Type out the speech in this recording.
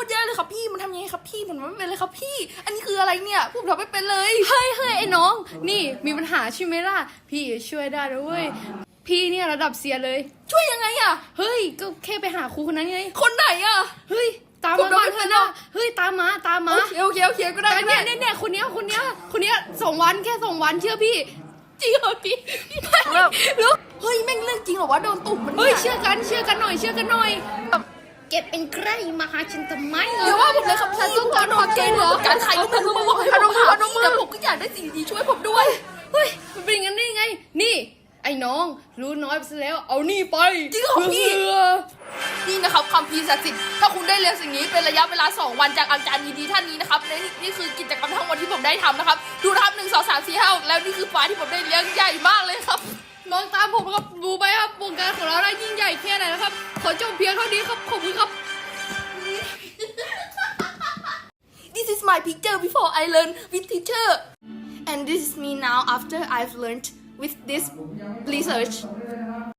ตรแย่เลยครับพี่มันทำยังไงครับพี่ผมไม่เป็นเลยครับพี่ อันนี้คืออะไรเนี่ยผมทำไม่เป็นเลยเฮ้ยไอ้น้องนี่มีปัญหาใช่ไหมล่ะพี่ช่วยได้ด้วยพี่เนี่ยระดับเซียนเลยช่วยยังไงอะเฮ้ยก็แค่ไปหาครูคนนั้นไงคนไหนอะเฮ้ยตามผมมาก่อนไม่เถเป็นอะหรอนะกเฮ้ยตามมาโอเคก็ได้แต่ก็ได้เนี่ยคนเนี้ย2 วันแค่2 วันเชื่อพี่จริงเหรอพี่แล้วเฮ้ยแม่งเรื่องจริงเหรอวะโดนตุ่มมันเฮ้ยนี่เชื่อกันหน่อยเก็บเป็นใครมาหาฉันทำไมเดี๋ยวว่าผมเลยครับพี่ต้องการความเก่งเหรอการขายก็ไม่รู้มาบอกให้ผมหาพี่แต่ผมก็อยากได้สิ่งดีๆช่วยผมด้วยเฮ้ยมันเป็นอย่างนั้นได้ยังไงนี่ไอ้น้องรู้น้อยไปซะแล้วเอานี่ไปจริงเหรอพี่ นี่นะครับคำพีร์ศักดิ์สิทธิ์ถ้าคุณได้เรียนสิ่งนี้เป็นระยะเวลา2 วันจากอาจารย์ดีๆท่านนี้นะครับและนี่คือกิจกรรมทั้งหมดที่ผมได้ทำนะครับดูนะครับ1 2 3 4 5 6แล้วนี่คือปลาที่ผมได้เลี้ยงใหญ่มากเลยครับลองตามผมครับดูไปครับวงการของเราได้ยิ่งใหญ่แค่ไหนนะครับขอจบเพียงเท่านี้ครับขอบคุณครับ This is my picture before I learn with teacher and this is me now after I've learned with this research